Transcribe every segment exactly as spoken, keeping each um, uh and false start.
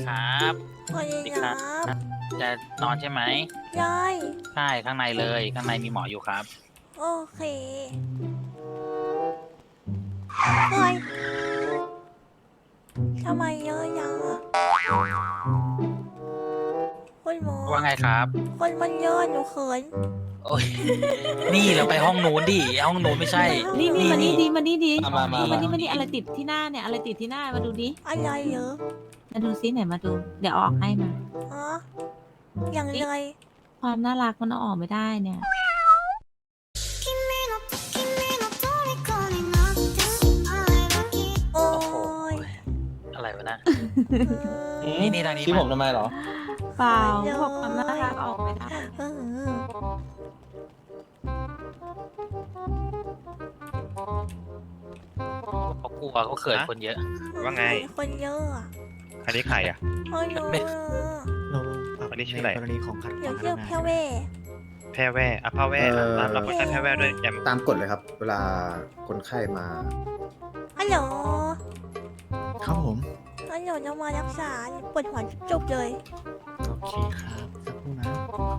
ครับสวัสดีครับจะนอนใช่ไหมยายใช่ข้างในเลยข้างในมีหมออยู่ครับโอเคเฮ้ยทำไมเยอะยังอ่ะคุณหมอว่าไงครับคนมันเยอะหนูเขินโอ้ยนี่เราไปห้องนู้นดิห้องนู้นไม่ใช่นี่นี่มานี่ดีมานี่ดีมามามามานี่มานี่อะไรติดที่หน้าเนี่ยอะไรติดที่หน้ามาดูดิอะไรเยอะมาดูซิไหนมาดู เดี๋ยวเอาออกให้มาฮะอย่างไรความน่ารักมันเอาออกไม่ได้เนี่ยโอ้โอ้โหยอะไรวะนะเออนี่นี่ทางนี้ชี้ผมทำไมเหรอเปล่าเยอะบอกความน่ารักเอาออกไม่ได้เออเขากลัวเขาเขินคนเยอะว่าไงคนเยอะอ่ะอันนี้ใครอ่ะคนเยอะไม่เราอันนี้ชื่ออะไรกรณีของขัดขเดี๋ยววางเรียกนะแค่เว่แพร่แว่อะผ้าแว่เอ่อรับรับคนไข้แพร่แว่ด้วยแยมตามกฎเลยครับ เวลาคนไข้มาฮัลโหลครับผมฮัลโหลจะมารักษาปวดหัวจุกๆเลยโอเคครับสักครู่นะ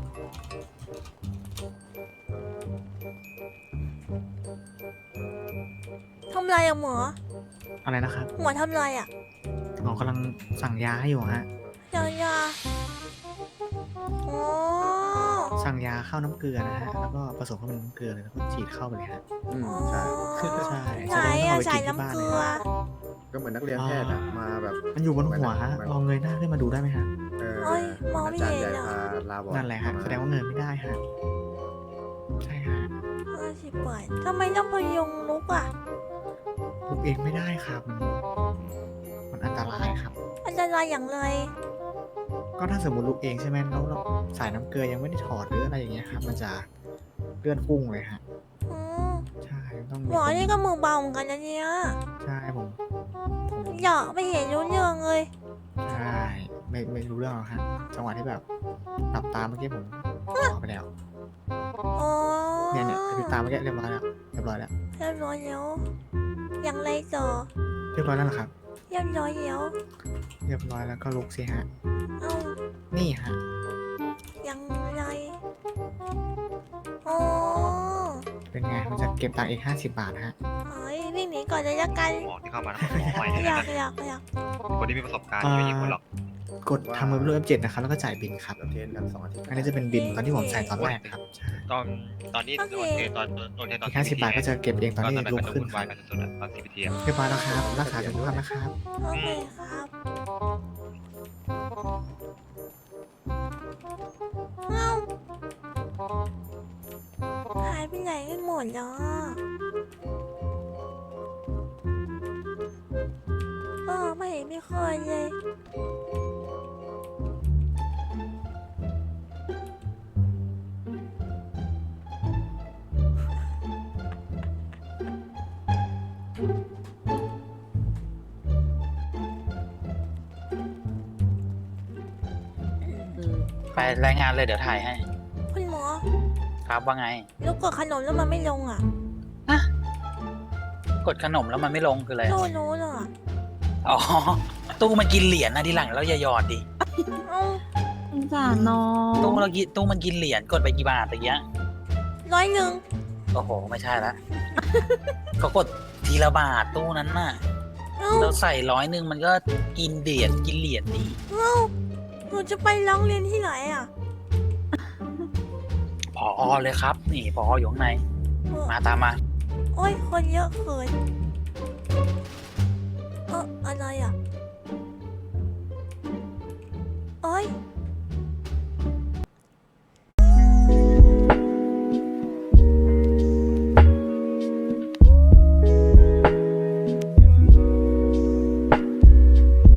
ทำไรอะหมออะไรนะครับหมอทำไรอะหมอกำลังสั่งยาให้อยู่ฮะยายาโอ้สั่งยาเข้าน้ำเกลือนะฮะ แล้วก็ผสมเข้าเป็นน้ำเกลือเลยแล้วก็ฉีดเข้าไปเลยฮะอืมใช่ใช่ไหนอะแสใส่ดงว่าน้ำเอาไปกินที่บ้านเกลืเลยอฮะก็เหมือนนักเรียนแพทย์อะมาแบบมันอยู่บนหัวฮะลองเงยหน้าขึ้นมาดูได้ไหมฮะเออโอ้ยมองไม่อาจารย์เห็ใหนญ่อะพาลาบอนั่นแหละฮะ แสดงว่าเงยไม่ได้ฮะ ใช่ฮะห้าสิบบาททำไมต้องพยุงลุกอะลุกเองไม่ได้ครับ มันมันอันตรายครับอันตรายอย่างไรก็ถ้าสมมติลุกเองใช่ไหมแล้วเราสายน้ำเกลือยังไม่ได้ถอดหรืออะไรอย่างเงี้ยครับ มันจะเลื่อนพุ่งเลยฮะอืมใช่ต้องหมอนี่ก็มือเบาเหมือนกันนะเนี่ยใช่ผมผมอยากไม่เห็นรู้เรื่องเลยใช่ไม่ไม่รู้เรื่องหรอกฮะจังหวะที่แบบหลับตาเมื่อกี้ผมบอกไปแล้วโอ้เนี่ยเนี่ยกระพริบตาเมื่อกี้เรียบร้อยแล้วเรียบร้อยแล้วเรียบร้อยแล้วอย่างไรต่อเรียบร้อยแล้วเหรอครับเรียบร้อยแล้วเรียบร้อยแล้วก็ลุกสิฮะเอ้านี่ฮะอย่างไรโอ้เป็นไงมันจะเก็บตังค์อีกห้าสิบบาทฮะเฮ้ยวิ่งหนีก่อนเลยละกันหมอที่เข้ามานะหมอใหม่เลยอยานะกอยากอยากคนที่มีประสบการณ์ไม่ใช่คนหรอกกดทำมือรูป เอฟ เจ็ด นะครับแล้วก็จ่ายบินครับเราเทรนกันสองอาทิตย์อันนี้จะเป็นบินตอนที่ผมใส่ตอนแรกครับใช่ตอนตอนนี้โดนเทตอนโดนเทตอนอีกห้าสิบบาทก็จะเก็บเองตอนที่นั้นลุมักนจะขึ้นวุ่นควารัยบกันสุดๆอะตอนซีพีทีอะเรียบร้อยแล้วครับรักษาสุขภาพนะครับโอเคครับเอ้าหายไปไหนกันหมดอ่ะเออไม่เห็นไม่เคยเลยไปรายงานเลยเดี๋ยวถ่ายให้คุณหมอครับว่าไงแล้วกดขนมแล้วมันไม่ลงอ่ะกดขนมแล้วมันไม่ลงคืออะไรโน่โน่น่ะอ๋อตู้มันกินเหรียญนะทีหลังเราอย่าหยอดดิเอ้าสงสารน้องตู้เรากินตู้มันกินเหรียญกดไปกี่บาทตะเกียร้อยหนึ่งโอ้โหไม่ใช่ละเขากดทีละบาทตู้นั้นน่ะเอ้าเราใส่ร้อยหนึ่งมันก็กินเหรียญกินเหรียญดิเอ้าหนูจะไปร้องเรียนที่ไหนอ่ะพอเลยครับ นี่พออยู่ข้างในเออมาตามมาโอ้ยคนเยอะเกินเอออะไรอ่ะโอ้ย